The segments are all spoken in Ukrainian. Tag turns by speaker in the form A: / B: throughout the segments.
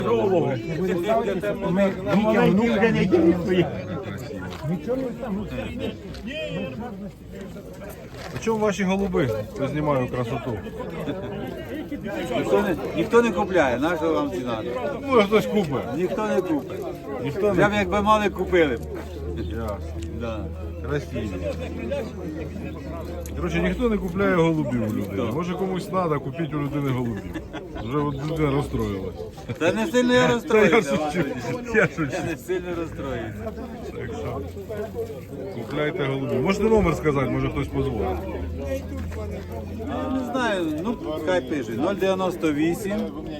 A: Ми дітям внука не дійсно.
B: А чому ваші голуби? Я знімаю красоту.
C: Ніхто не купляє, наша вам ціна.
B: Може хтось купить.
C: Ніхто не купить.
B: Ніхто
C: Прям
B: не
C: якби мали, купили б.
B: Ясно.
C: Да.
B: Красиві. Коротше, ніхто не купляє голубів у людини. Може комусь треба, купіть у людини голубів. Вже от людина розстроїлась.
C: Та не сильно я розстроївся.
B: Я шучу.
C: Я не сильно розстроївся.
B: Так що купляйте голубів. Можете номер сказати, може хтось позвонить.
C: Не знаю, ну хай пише. 098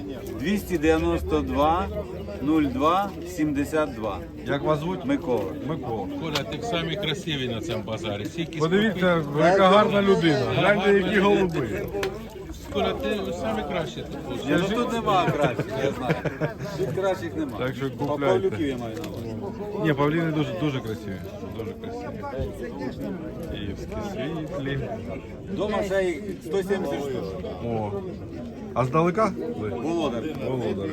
C: 292 02 72.
B: Як вас звуть?
C: Микола.
B: Микола.
D: Коля, ти самі красиві на цьому базарі. Скільки
B: Подивіться, яка гарна людина. Гляньте, які голуби.
D: Коля, ти самі кращі тут.
C: Ні, ну тут нема кращих, я знаю. Тут кращих нема.
B: Так що
C: А
B: купляйте.
C: Павлюків я маю на увазі.
B: Ні, павліни дуже красиві. Дуже красиві. Київські світлі.
C: Дома ще й 170 штук.
B: О. А здалека?
C: Володар.
B: Володар.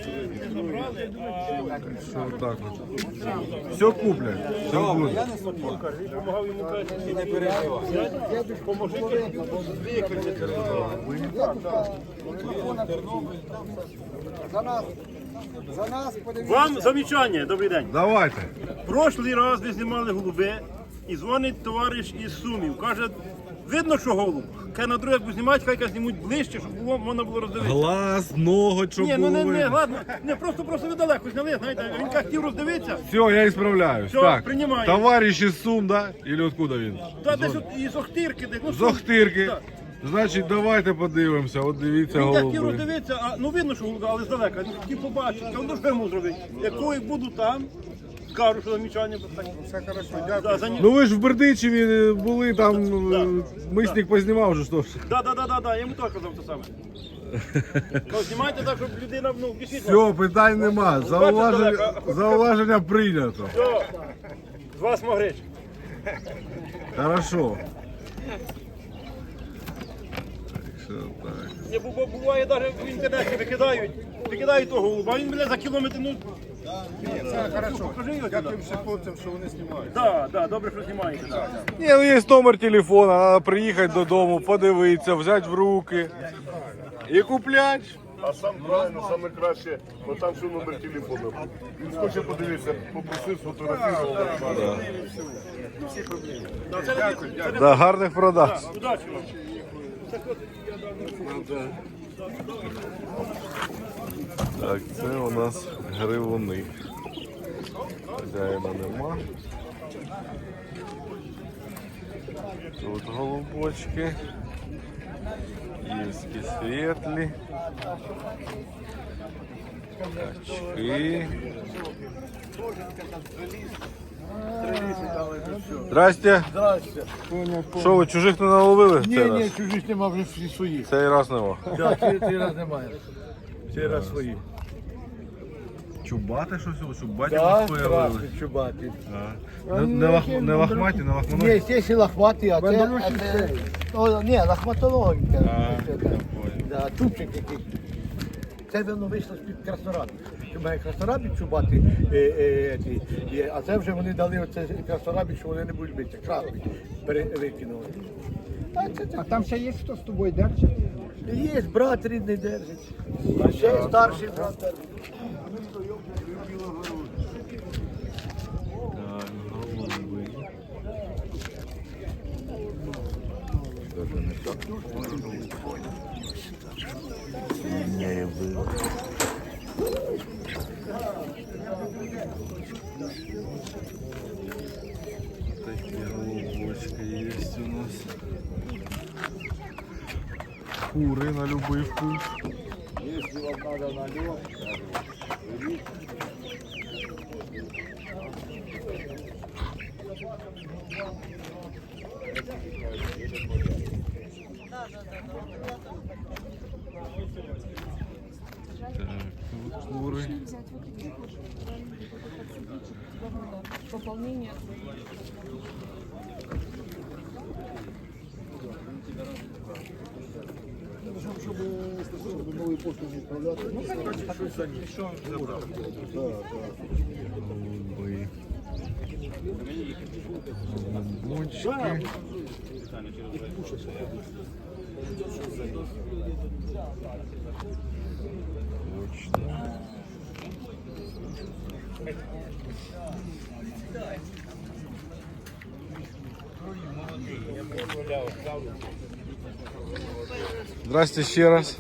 B: Що так от. Все куплять. Все буде.
C: Я не сумніваюся. І не переживай.
A: Вам замічання, добрий день.
B: Давайте.
A: Прошлий раз ви знімали голуби і дзвонить товариш із Сумів. Каже, видно, що голуб. Каже, на другий, як будуть знімати, хай знімуть ближче, щоб було, можна було роздивитися.
B: Глаз, ноготь, щоб
A: Ні, ну не,
B: було.
A: ладно, не, просто ви далеко зняли, знаєте, він як хотів роздивитися.
B: Все, я ісправляюсь.
A: Все,
B: Так,
A: приймаю.
B: товариш із Сум, да? Или откуда він?
A: Та десь от із Охтирки, десь. Ну,
B: З Охтирки.
A: Так.
B: Значить, давайте подивимося. От дивіться
A: Він як хотів
B: голуби.
A: роздивитися, а ну видно, що голуби, але здалека. Він хотів побачити, ну що йому зробити? Якої буду там, скажу, що замічання. Все хорошо, дякую. Да,
B: Ну ви ж в Бердичеві були, там мисник познімав вже, що ж.
A: Да, я йому теж казав те саме. Ну, знімайте так, щоб людина, ну, дійсно.
B: Все, питань нема. Зауваження прийнято.
A: Все, з вас могрич.
B: Хорошо. Так що так.
A: Не буває, навіть в інтернеті викидають того голуба, а він мене за кілометр, ну... Це хорошо. Дякую всім хлопцям, що вони знімають. Так, добре, що знімаєте.
B: Ні, ну є номер телефона, треба приїхати додому, подивитися, взяти в руки і купляти.
E: А сам правильно, саме краще, бо там що номер телефону. Він хоче подивитися, попросив, сфотографував.
B: Да, гарних продаж.
A: Удачі вам.
B: Так, це у нас гривуни. Хазяїна нема. Тут голубочки. Київські світлі. Качки. Здрасте.
E: Здрасте.
B: Що ви, чужих не наловили в цей раз?
E: Ні, чужих нема, вже всі свої.
B: Цей раз нема.
E: Так, цей раз немає. Цей раз свої.
B: Чубати щось? Чубаті
E: Так,
B: вас появились?
E: страшно, чубати.
B: Не лохматі, не лохматі?
E: Ні, ці ще лохматі, а це... Ні, лохматологи. Да, чубчик який. Це воно вийшло з-під Краснораби. Має Краснорабі чубати, а це вже вони дали оце Краснорабі, що вони не будуть бити. Красний викинули.
F: А там ще є хто з тобою держить?
E: Є, брат рідний держить. Ще старший брат держить.
B: Так, голуби. Не было. Такие голубочки есть у нас. Куры на любой вкус.
E: Если вам надо на лед,
B: Так, тут куры.
G: Пополнение.
E: щоб
F: новою поштою відправляти. Ну,
B: Голуби. Голубочки. Точно. Здрасте ще раз.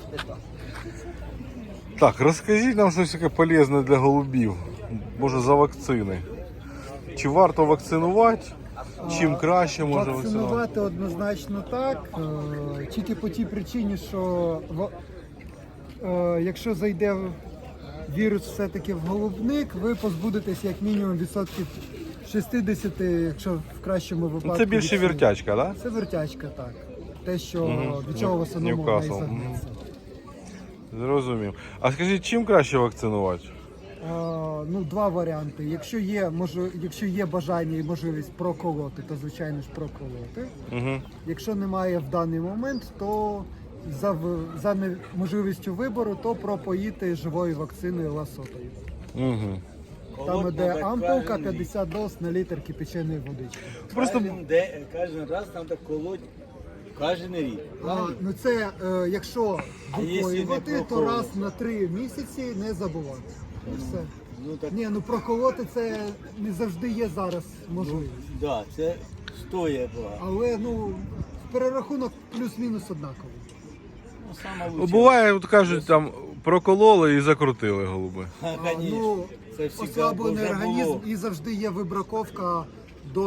B: Так, розкажіть нам щось таке полезне для голубів. Може за вакцини. Чи варто вакцинувати? Чим краще може вакцинувати?
F: вакцинувати однозначно так, тільки по тій причині, що якщо зайде вірус все-таки в голубник, ви позбудетесь як мінімум відсотків 60, якщо в кращому випадку.
B: Ну, це більше
F: від всіх.
B: вертячка, так?
F: Це вертячка, так. Те, що від чого в основному
B: Ньюкасл.
F: вона і загнеться.
B: Зрозумів. А скажіть, чим краще вакцинувати?
F: Ну, два варіанти. Якщо є бажання і можливість проколоти, то звичайно ж проколоти.
B: Угу.
F: Якщо немає в даний момент, то за можливістю вибору, то пропоїти живою вакциною ласотою.
B: Угу.
F: Там іде ампулка 50 доз на літр кипяченої водички.
B: Просто
C: Кожен раз треба колоть кожен рік.
F: Ну це якщо
C: якщо не
F: випоювати, то
C: проколоти?
F: раз на 3 місяці не забувати. І все.
C: Ну так,
F: Ні, ну проколоти це не завжди є зараз можливість.
C: да, це стоїть була.
F: Але ну перерахунок плюс-мінус однаковий.
C: Ну, саме лучше.
B: буває, от кажуть, там прокололи і закрутили голуби.
C: Конечно.
F: Ну,
C: Це всегда
F: ослаблений
C: вже
F: організм
C: було.
F: і завжди є вибраковка до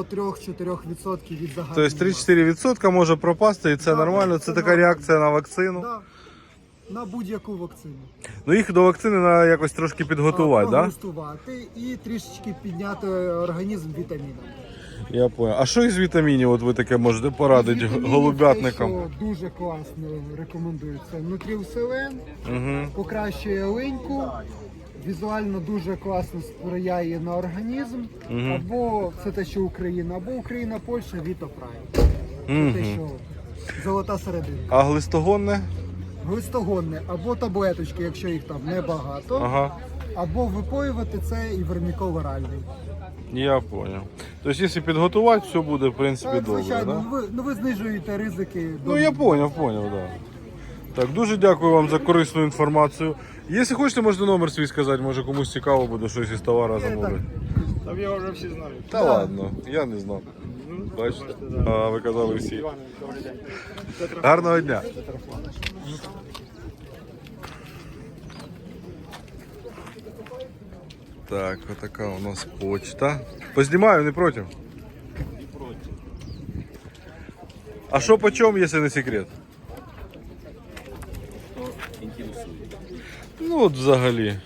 F: 3-4% від загального.
B: Тобто 3-4% може пропасти, і це
F: Так,
B: нормально.
F: це
B: Це така
F: нормально.
B: реакція на вакцину.
F: Да, на будь-яку вакцину.
B: Ну їх до вакцини треба якось трошки підготувати, так? Да?
F: Прогустувати і трішечки підняти організм вітамінами.
B: Я понял. А що із вітамінів от ви таке можете порадити
F: Вітамінів
B: голубятникам?
F: те, що дуже класно рекомендується. Нутрілселен
B: Угу.
F: покращує линьку, візуально дуже класно сприяє на організм. Або це те, що Україна, або Україна, Польща, Вітопрайм. Це те, що золота середина.
B: А глистогонне?
F: Глистогонне або таблеточки, якщо їх там небагато,
B: Ага. або
F: випоювати це і вермікол оральний.
B: Я понял. Тобто, якщо підготувати, все буде, в принципі,
F: Так,
B: добре,
F: звичайно,
B: да?
F: ви знижуєте ризики.
B: Ну, я понял, да. Так, дуже дякую вам за корисну інформацію. Якщо хочете, можете номер свій сказати, може комусь цікаво буде щось із товару замовити.
A: Там його вже всі знають.
B: Та ладно, я не знав. Бачите? А, ви казали всі. Гарного дня. Так, отака у нас почта. Познімаю, не проти? Не проти. А що по чому, якщо не секрет? Ну от взагалі.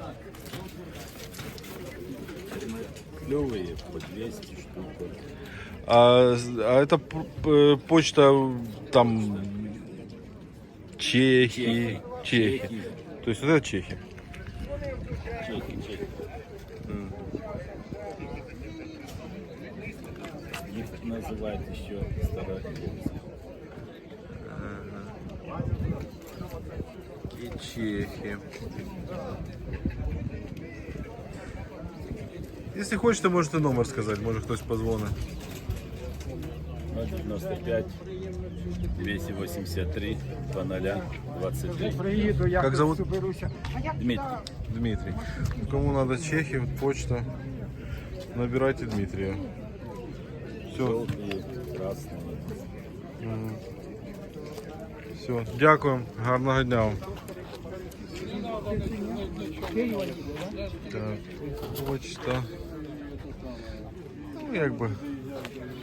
C: Клевые по 200 штук.
B: А это почта там Чехии. То есть вот это Чехия.
C: Чехи. Их называют еще старообрядцы.
B: И Чехи. Если хочете, можете номер сказать, может кто-то позвонит.
C: 095 283 0023.
F: Приїду, я
B: Как зовут?
F: соберуся.
C: Дмитрий.
B: Дмитрий. Кому надо Чехи, почта, набирайте Дмитрия. Все,
C: Желтые, красные.
B: все. Дякую, гарного дня вам. Так, почта. Ну, якби